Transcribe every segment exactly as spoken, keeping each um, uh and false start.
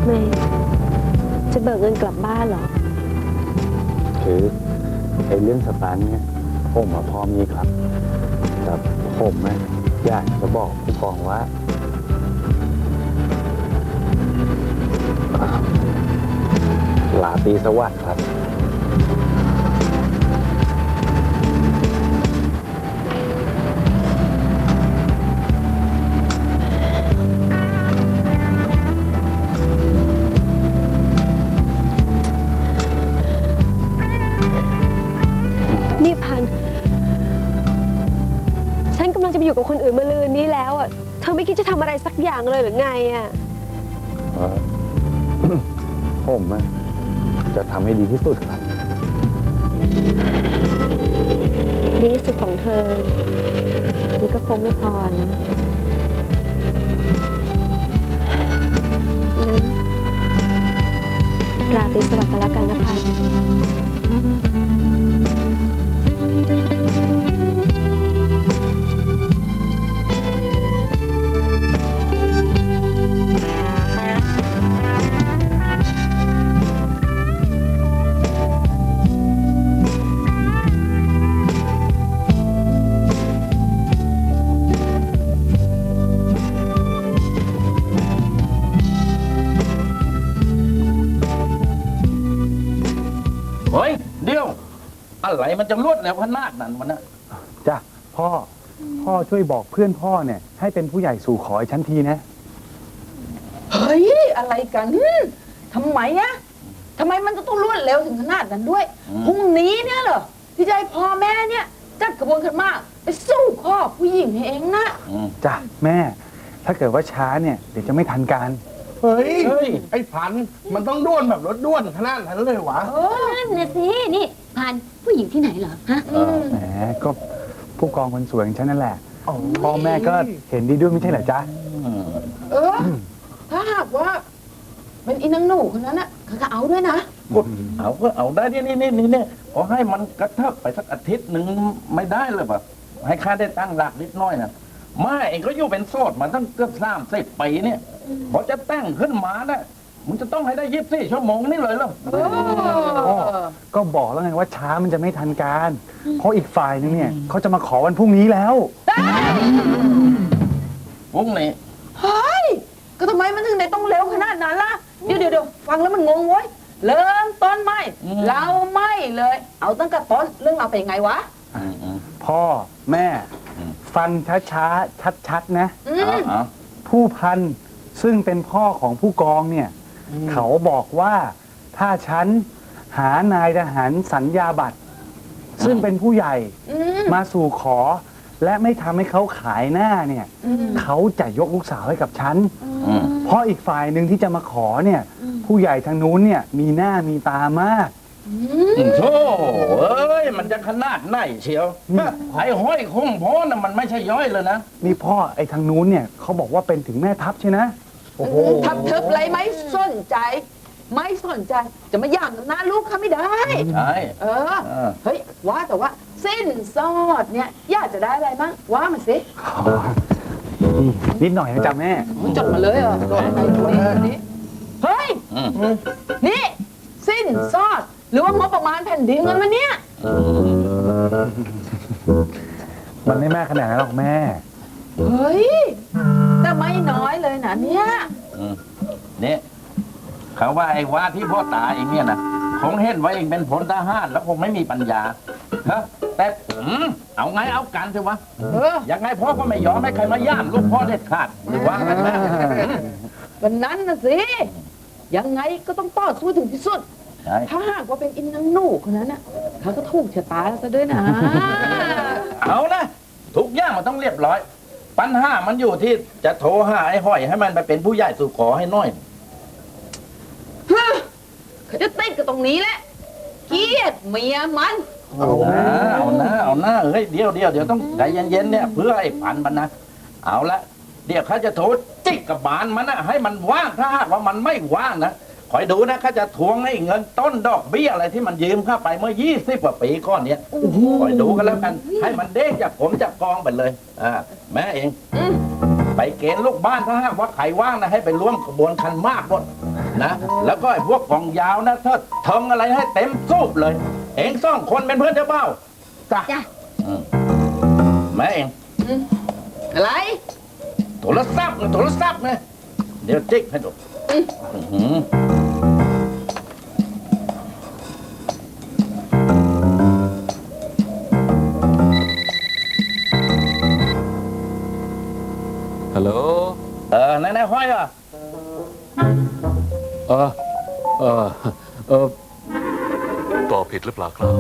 ไมจะเบิกเงินกลับบ้านเหรอคือไอ้เรื่องสตางค์เนี่ยผมมาพอมีครับแต่ผมนะอยากจะบอกผู้กองว่าลาตรีสวัสดิ์ครับนี่พันฉันกำลังจะไปอยู่กับคนอื่นมาลืนนี้แล้วอ่ะเธอไม่คิดจะทำอะไรสักอย่างเลยหรือไงอ่ะผมจะทำให้ดีที่สุดครับดีที่สุดของเธอนี่ก็คงไม่พอนะงั้นราตรีสวัสดิ์กันแล้วกันนะพันเฮ้ยเดี๋ยวอะไรมันจะรวดแล้วขนาดนั้นวะนะจ้ะพ่อพ่อช่วยบอกเพื่อนพ่อเนี่ยให้เป็นผู้ใหญ่สู่ขอให้ฉันทีนะเฮ้ยอะไรกันทำไมอะทำไมมันจะต้องรวดเร็วถึงขนาดนั้นด้วยพรุ่งนี้เนี่ยเหรอที่จะให้พ่อแม่เนี่ยจัดกระบวนการมากไปสู้ข้อผู้หญิงให้เองนะจ้ะแม่ถ้าเกิดว่าช้าเนี่ยเดี๋ยวจะไม่ทันการเฮ้ยเฮ้ยไอ้พันมันต้องด้วนแบบรถด้วนขนาดนั้นเลยวะเออนั่นนะสินี่พันผู้หญิงที่ไหนเหรอฮะแหมก็ผู้กองคนสวยของฉันนั่นแหละพ่อแม่ก็เห็นดีด้วยไม่ใช่เหรอจ๊ะเออถ้าหากว่าเป็นอีนางหนูคนนั้นน่ะเขาจะเอาด้วยนะเอาก็เอาได้นี่นี่นี่นี่ขอให้มันกระเทิบไปสักอาทิตย์หนึ่งไม่ได้เลยป่ะให้ข้าได้ตั้งหลักนิดน้อยนะมาเองก็อยู่เป็นโสดมาตั้งเกือบสามสิบปีเนี่ยพอจะแต่งขึ้นมานะมึงจะต้องให้ได้ยี่สิบสี่ชั่วโมงนี่เลยเหรอก็บอกแล้วไงว่าช้ามันจะไม่ทันการเพราะอีกฝ่ายนึงเนี่ยเขาจะมาขอวันพรุ่งนี้แล้วพรุ่งนี้เฮ้ยก็ทำไมมันถึงได้ต้องเร็วขนาดนั้นล่ะเดี๋ยวเดี๋ยวฟังแล้วมันงงเว้ยเริ่มต้นไม่เราไม่เลยเอาตั้งแต่ต้นเรื่องเราเป็นไงวะพ่อแม่ฟังช้าๆชัดๆนะผู้พันซึ่งเป็นพ่อของผู้กองเนี่ยเขาบอกว่าถ้าฉันหานายทหารสัญญาบัตรซึ่งเป็นผู้ใหญ่มาสู่ขอและไม่ทำให้เขาขายหน้าเนี่ยเขาจะยกลูกสาวให้กับฉันเพราะอีกฝ่ายหนึ่งที่จะมาขอเนี่ยผู้ใหญ่ทางนู้นเนี่ยมีหน้ามีตามากโธ่เอ้ยมันจะขนาดไหนเชียวไอ้ห้อยคงพ่อน่ะมันไม่ใช่ย่อยเลยนะนี่พ่อไอ้ทางนู้นเนี่ยเขาบอกว่าเป็นถึงแม่ทัพใช่นะโอ้โหทับทึบอะไรไม่สนใจไม่สนใจจะมาย่างกับหน้าลูกเขาไม่ได้ใช่เออเฮ้ยว่าแต่ว่าสิ้นสอดเนี่ยอยากจะได้อะไรมั้งว่ามาสินิดหน่อยนะจ๊ะแม่จดมาเลยเหรอจดอะไรนี้เฮ้ยนี่สิ้นสอดหรือว่างบประมาณแผ่นดินเงินมันเนี่ยมันไม่แม่ขนาดนั้นหรอกแม่เฮ้ยแต่ไม่น้อยเลยนะเนี่ยเนี่ยเขาว่าไอ้ว่าที่พ่อตาเองเนี่ยนะคงเห็นว่าเองเป็นพลทหารแล้วคงไม่มีปัญญาฮะแต่เอาไงเอากันเถอะวะยังไงพ่อก็ไม่ยอมให้ใครมาย่ามลูกพ่อเด็ดขาดหรือว่ากันแม่วันนั้นนะสิยังไงก็ต้องต่อสู้ถึงที่สุดถ้าหากว่าเป็นอินนังหนูคนนั้นน่ะเขาก็ถูกชะตาซะด้วยนะเอานะทุกอย่างมันต้องเรียบร้อยปัญหามันอยู่ที่จะโทรหาไอ้ห้อยให้มันไปเป็นผู้ใหญ่สู่ขอให้น้อยเขาจะติดกับตรงนี้แหละเกลียดเมียมันเอาหน้าเอาหน้าเอาหน้าเฮ้ยเดี๋ยวเดี๋ยวเดี๋ยวต้องใจเย็นๆเนี่ยเพื่อไอ้ผันมันนะเอาละเดี๋ยวเขาจะโทรจิกกับบานมันนะให้มันว่างถ้าหากว่ามันไม่ว่างนะคอยดูนะเขาจะทวงให้เงินต้นดอกเบี้ยอะไรที่มันยืมเข้าไปเมื่อยี่สิบกว่าปีก่อนเนี้ยคอยดูกันแล้วกันให้มันเด้งจากผมจากกองไปเลยอ่าแม่เองไปเกณฑ์ลูกบ้านถ้าหากว่าใครว่างนะให้ไปร่วมขบวนคันมากหมดนะแล้วก็ไอ้พวกกองยาวนะถ้าเทิงอะไรให้เต็มสูบเลย เองสองคนเป็นเพื่อนเจ้าเบ้าจ้ะจ้ะอืมแม่เองอะไรโทรศัพท์นะโทรศัพท์นะเดี๋ยวจิ๊กให้ดูอื้อหือฮัลโหลเออนายนายห้อยอ่ะเออ เออ เออตอบผิดหรือเปล่าครับ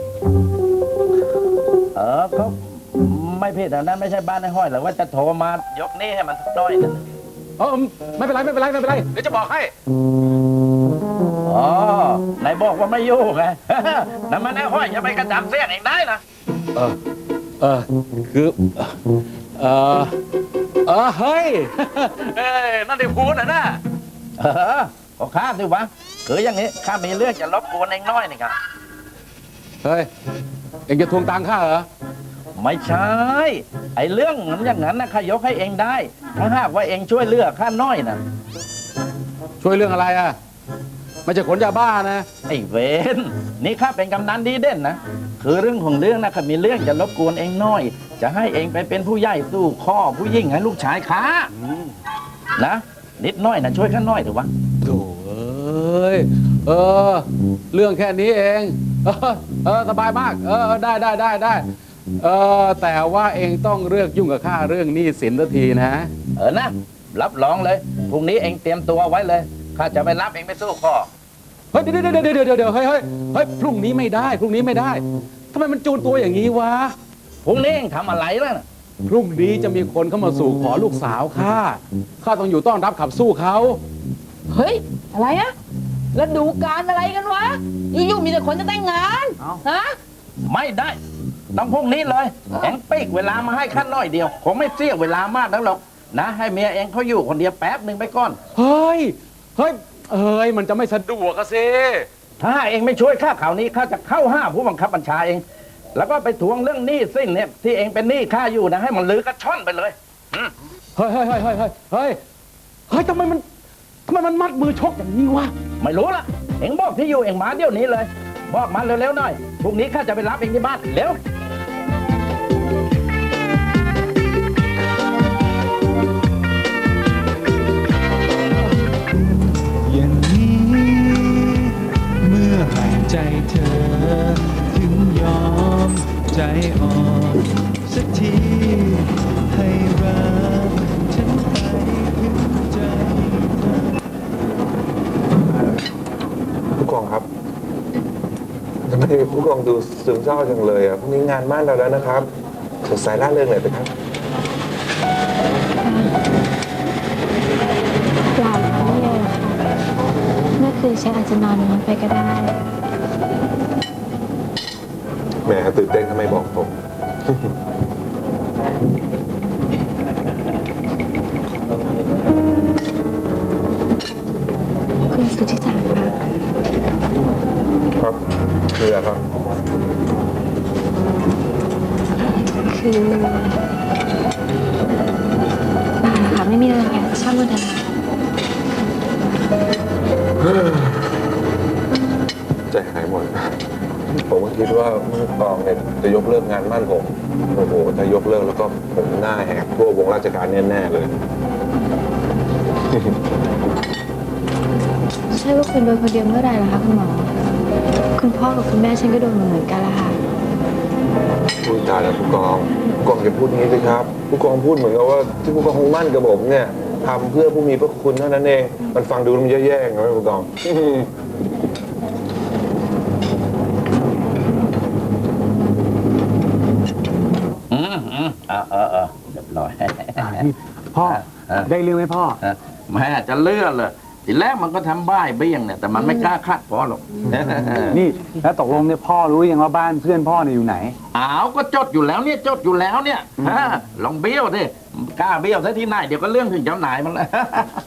เออก็ไม่ผิดนะนั่นไม่ใช่บ้านนายห้อยหรอกว่าจะโทรมายกนี่ให้มันสักหน้อยนึงเออไม่เป็นไรไม่เป็นไรไม่เป็นไร เดี๋ยวจะบอกให้อ๋อนายบอกว่าไม่ยุ่งไง นั่นมันนายห้อยอย่าไปกระจับเสียงเองได้นะเออ เออ คือ เออ เออ เฮ้ย เอ้ยนั่นได้พูดนะน่ะเออก็ข้าสิวะคืออย่างนี้ข้ามีเรื่องจะรบกวนเองน้อยนี่ครับเฮ้ย เอ็งจะทวงตังค่าเหรอไม่ใช่ ไอ้เรื่องนั้นอย่างนั้นนะข้ายกให้เองได้ ถ้าหากว่าเองช่วยเหลือกข้าน้อยนะช่วยเรื่องอะไรอ่ะ ไม่ใช่ขนยาบ้านะไอ้เวนนี่ข้าเป็นกำนันดีเด่นนะ คือเรื่องของเรื่องนะข้ามีเรื่องจะรบกวนเองน้อย จะให้เองไปเป็นผู้ใหญ่สู้ข้อผู้ยิ่งให้ลูกชายข้านะ นิดน้อยนะช่วยข้าน้อยเถอะวะโถ่เอ้ย เออ เรื่องแค่นี้เอง เออ เออ สบายมาก เออ ได้ได้ได้ได้ เออ แต่ว่าเองต้องเลือกยุ่งกับข้าเรื่องหนี้สินสักทีนะเออนะ รับรองเลยพรุ่งนี้เองเตรียมตัวไว้เลยข้าจะไปรับเองไปสู้ข้อเฮ้ยเดี๋ยวเดี๋ยวเดี๋ยวเดี๋ยวเดี๋ยวเฮ้ยเฮ้ยเฮ้ยพรุ่งนี้ไม่ได้พรุ่งนี้ไม่ได้ทำไมมันจูนตัวอย่างนี้วะพรุ่งนี้เองทำอะไรแล้วนะพรุ่งนี้จะมีคนเข้ามาสู่ขอลูกสาวข้าข้าต้องอยู่ต้อนรับขับสู้เขาเฮ้ย อะไรอะแล้วดูการอะไรกันวะอยู่ๆมีแต่คนจะแต่งงานฮะไม่ได้ต้องพรุ่งนี้เลยเองปีกเวลามาให้ข้าน้อยเดียวคงไม่เสียเวลามากนักหรอกนะให้เมียเองเขาอยู่คนเดียวแป๊บหนึ่งไปก่อนเฮ้ยเฮ้ยเฮ้ยมันจะไม่สะดวกอะสิถ้าเองไม่ช่วยข้าข่าวนี้ข้าจะเข้าห้าผู้บังคับบัญชาเอง แล้วก็ไปทวงเรื่องหนี้สิ้นเนี่ยที่เองเป็นหนี้ข้าอยู่นะให้มันลือกระช่อนไปเลยอืมเฮ้ยเฮ้ยเฮ้ยเฮ้ยเฮ้ยเฮ้ยเฮ้ยทำไมมันทำไมมันมัดมือชกอย่างนี้วะไม่รู้ละเองบอกที่อยู่เองมาเดี๋ยวนี้เลย บอกมาเร็วๆหน่อยพรุ่งนี้ข้าจะไปรับเองที่บ้านเร็วอย่างนี้เมื่อไหร่ใจเธอ ถึงยอมใจอ่อนสักทีให้รักฉันไปถึงใจเธอผู้กองครับทำไมผู้กองดูซึมเศร้าจังเลยอ่ะพรุ่งนี้งานบ้านเราแล้วนะครับสดใสร่าเริงหน่อยนะครับเปล่าค่ะไม่เลยหรอกค่ะเมื่อคืนฉันอาจจะนอนน้อยไปก็ได้แหมตื่นเต้นทำไมบอกผมคุณสุทธิสารคะครับคืออะไรครับคือเปล่าค่ะไม่มีอะไรค่ะช่างมันเถอะค่ะใจหายหมด ผมก็คิดว่าผู้กองเนี่ยจะยกเลิกงานบ้านผมโอ้โหถ้ายกเลิกแล้วก็ผมหน้าแหกทั่ววงราชการแน่ๆเลยใช่ว่าคุณโดนคนเดียวเมื่อไหร่ล่ะคะคุณหมอ คุณพ่อกับคุณแม่ฉันก็โดนเหมือนกันละค่ะพูดจาแล้วผู้กองผู้กองอย่าพูดอย่างนี้สิครับ ผู้กองพูดเหมือนกับว่าที่ผู้กองมั่นกับผมเนี่ยทำเพื่อผู้มีพระคุณเท่านั้นเอง มันฟังดูมันแย่ๆนะผู้กองอืมอืมเออเออเออเรียบร้อยนี่พ่อเออได้เรื่องไหมพ่อแม่จะเลื่อนเลยทีแรกมันก็ทำบ้ายเบี้ยงเนี่ยแต่มันไม่กล้าคาดพอหรอกนี่แล้วตกลงเนี่ยพ่อรู้ยังว่าบ้านเพื่อนพ่อเนี่ยอยู่ไหนอ้าวก็จดอยู่แล้วเนี่ยจดอยู่แล้วเนี่ยฮะลองเบี้ยวดิกล้าเบี้ยวซะที่ไหนเดี๋ยวก็เรื่องถึงเจ้านายมันแล้ว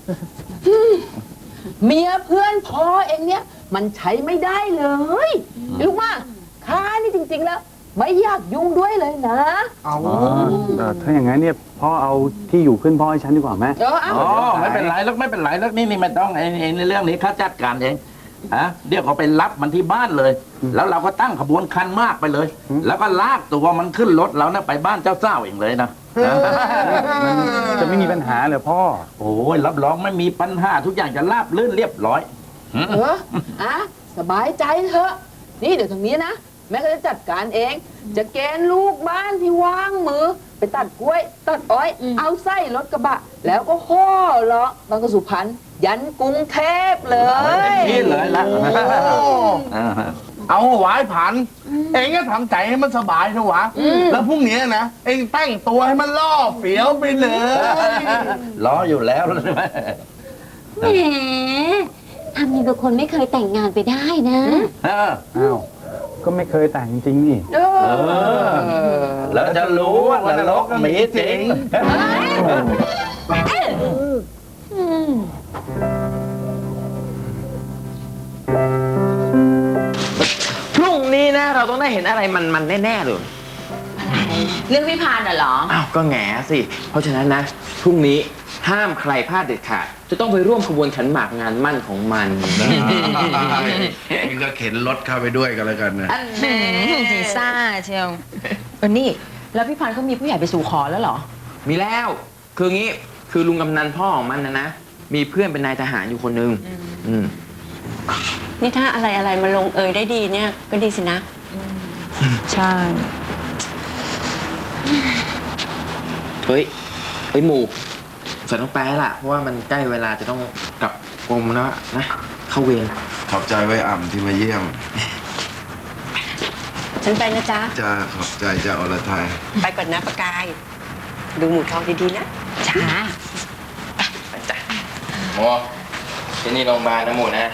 เมียเพื่อนพ่อเองเนี่ย มันใช้ไม่ได้เลยรู้ว่าข้านี่จริง ๆ แล้ว ไม่อยากยุ่งด้วยเลยนะเอาเอ่อถ้าอย่างนั้นเนี่ยพ่อเอาที่อยู่ขึ้นพ่อให้ฉันดีกว่าไหมเออเอาอ๋อไม่เป็นไรแล้วไม่เป็นไรแล้วนี่นี่ไม่ต้องไอ้ไอ้ในเรื่องนี้ข้าจัดการเองฮะเดี๋ยวเขาไปรับมันที่บ้านเลย แล้วเราก็ตั้งขบวนคันมากไปเลย แล้วก็ลากตัวมันขึ้นรถเรานะไปบ้านเจ้าเจ้าเองเลยนะจะไม่มีปัญหาเหรอพ่อโอ้ยรับรองไม่มีปัญหาทุกอย่างจะราบรื่นเรียบร้อยเอออ่ะสบายใจเถอะ นี่เดี๋ยวทางนี้นะ แม่ก็จะจัดการเอง จะเกณฑ์ลูกบ้านที่ว่างมือ ไปตัดกล้วย ตัดอ้อย เอาไส้รถกระบะ แล้วก็ห่อเลาะบางกระสุพรรณยันกรุงเทพเลยนี่เลยละเอาหวายผัน เองก็ทำใจให้มันสบายเถอะวะ แล้วพรุ่งนี้นะ เองแต่งตัวให้มันล่อเฟี้ยวไปเลยล้ออยู่แล้วใช่ไหมแหมทำอย่างกับคนไม่เคยแต่งงานไปได้นะเอออ้าว ก็ไม่เคยแต่งจริงนี่เออแล้วจะรู้ว่านรกมีจริงพรุ่งนี้นะ เราต้องได้เห็นอะไรมันมันแน่ๆเลยเรื่องพี่พานน่ะเหรออ้าวก็แง่สิ เพราะฉะนั้นนะ พรุ่งนี้ห้ามใครพลาดเด็ดขาด จะต้องไปร่วมขบวนขันหมากงานมั่นของมันมึงก็เข็นรถเข้าไปด้วยกันแล้วกันนะอันแน่สีซ่าเชียวเออนี่ แล้วพี่พันธ์เขามีผู้ใหญ่ไปสู่ขอแล้วเหรอมีแล้ว คืองี้ คือลุงกำนันพ่อของมันนะนะ มีเพื่อนเป็นนายทหารอยู่คนหนึ่งอืมนี่ถ้าอะไรอะไรมาลงเอยได้ดีเนี่ยก็ดีสินะ ใช่เฮ้ย เฮ้ยหมูฉันต้องไปแล้วล่ะ เพราะว่ามันใกล้เวลาจะต้องกลับกรมแล้วนะ เข้าเวรขอบใจไว้อ่ำที่มาเยี่ยมฉันไปนะจ๊ะจะขอบใจจะอรไทยไปก่อนนะประกาย ดูหมูทองดีๆนะจ้าไปจ้ะหมูที่นี่โรงพยาบาลนะหมูนะ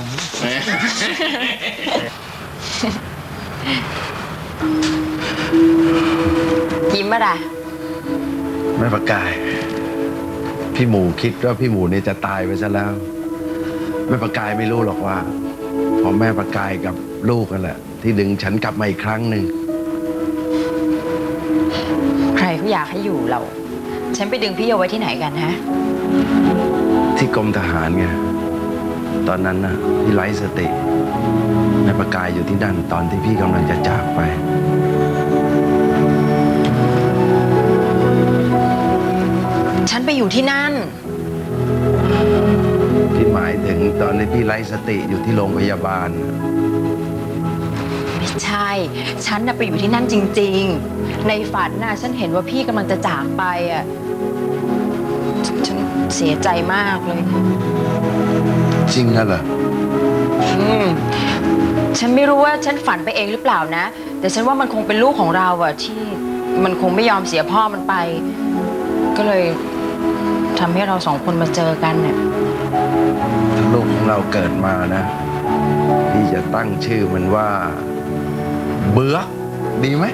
ยิ้มอะไรแม่ประกาย พี่หมูคิดว่าพี่หมูเนี่ยจะตายไปซะแล้ว แม่ประกายไม่รู้หรอกว่าพอแม่ประกายกับลูกกันแหละ ที่ดึงฉันกลับมาอีกครั้งหนึ่งใครเขาอยากให้อยู่เรา ฉันไปดึงพี่เอาไว้ที่ไหนกันฮะที่กรมทหารไงตอนนั้นนะพี่ไร้สติแม่ประกายอยู่ที่นั่นตอนที่พี่กำลังจะจากไปฉันไปอยู่ที่นั่นที่หมายถึงตอนที่พี่ไร้สติอยู่ที่โรงพยาบาลไม่ใช่ ฉันน่ะไปอยู่ที่นั่นจริงๆ ในฝันน่ะฉันเห็นว่าพี่กำลังจะจากไปอ่ะ ฉันเสียใจมากเลยจริงนะเหรออืม ฉันไม่รู้ว่าฉันฝันไปเองหรือเปล่านะ แต่ฉันว่ามันคงเป็นลูกของเราอะที่มันคงไม่ยอมเสียพ่อมันไป ก็เลยทำให้เราสองคนมาเจอกันเนี่ยถ้าลูกของเราเกิดมานะ พี่จะตั้งชื่อมันว่า เบือกดีไหม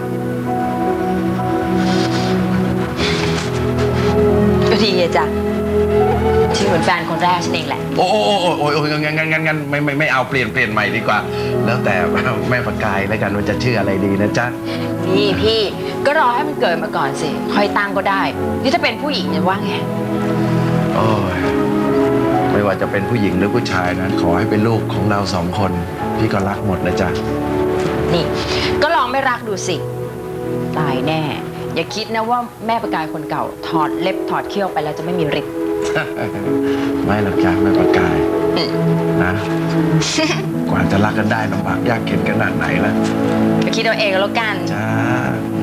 ก็ดีอะจ้ะที่เหมือนแฟนคนแรกฉันเองแหละโอ้โอ้โอ้โอ้โอ้งั้นงั้นงั้นงั้นไม่ไม่ไม่เอาเปลี่ยนเปลี่ยนใหม่ดีกว่า แล้วแต่แม่ประกายแล้วกันว่าจะชื่ออะไรดีนะจ๊ะนี่พี่ก็รอให้มันเกิดมาก่อนสิ ค่อยตั้งก็ได้ นี่ถ้าเป็นผู้หญิงจะว่าไงโอ้ยไม่ว่าจะเป็นผู้หญิงหรือผู้ชายนะ ขอให้เป็นลูกของเราสองคน พี่ก็รักหมดนะจ๊ะนี่ ก็ลองไม่รักดูสิ ตายแน่ อย่าคิดนะว่าแม่ประกายคนเก่า ถอดเล็บถอดเขี้ยวไปแล้วจะไม่มีฤทธิ์ไม่หรอกจ้ะแม่ประกายนะ กว่าจะรักกันได้ลำบากยากเข็นขนาดไหนล่ะก็คิดเอาเองแล้วกันจ้า